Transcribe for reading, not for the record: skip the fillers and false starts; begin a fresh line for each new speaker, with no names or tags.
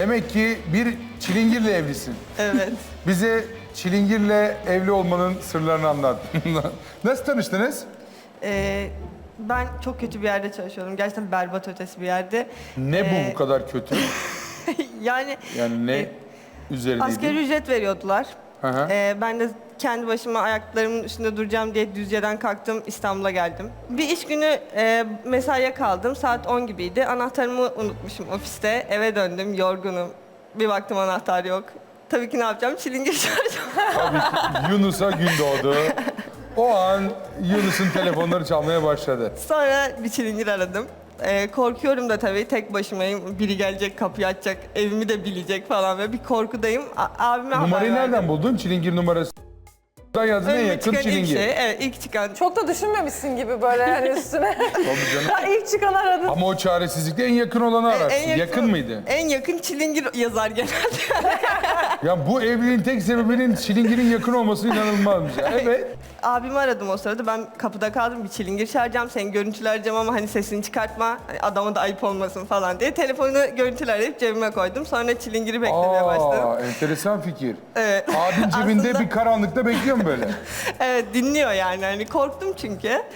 Demek ki bir çilingirle evlisin.
Evet.
Bize çilingirle evli olmanın sırlarını anlat. Nasıl tanıştınız?
Ben çok kötü bir yerde çalışıyordum. Gerçekten berbat ötesi bir yerde.
Ne bu kadar kötü?
Yani
Yani ne üzerineydi?
asgari ücret veriyordular.
Hı hı.
Ben de kendi başıma ayaklarımın üstünde duracağım diye Düzce'den kalktım, İstanbul'a geldim. Bir iş günü mesaiye kaldım. Saat 10 gibiydi. Anahtarımı unutmuşum ofiste. Eve döndüm, yorgunum. Bir baktım anahtar yok. Tabii ki ne yapacağım? Çilingir çağıracağım.
Tabii ki Yunus'a gün doğdu. O an Yunus'un telefonları çalmaya başladı.
Sonra bir çilingir aradım. Korkuyorum da tabii, tek başımayım. Biri gelecek, kapıyı açacak, evimi de bilecek falan ve bir korkudayım. Abime haber
Numarayı
verdim.
nereden buldun? Çilingir numarası. Buradan yazdın en
Önüme
yakın
çıkan ilk
çilingir.
şey, evet, ilk çıkan.
Çok da düşünmemişsin gibi böyle hani üstüne.
Tabii canım.
Ha, İlk çıkan aradın.
Ama o çaresizlikte en yakın olanı ararsın. Yakın mıydı?
En yakın çilingir yazar genelde.
Ya bu evliliğin tek sebebinin çilingirin yakın olması inanılmazmış. Evet.
Abimi aradım o sırada. Ben kapıda kaldım. Bir çilingir çağıracağım. Seni görüntülereceğim ama hani sesini çıkartma. Hani adama da ayıp olmasın falan diye. Telefonu görüntülerleyip cebime koydum. Sonra çilingiri beklemeye başladım.
Enteresan fikir.
Evet.
Abin cebinde
Aslında-
bir karanlıkta bekliyor mu böyle?
Evet, dinliyor yani. Hani korktum çünkü.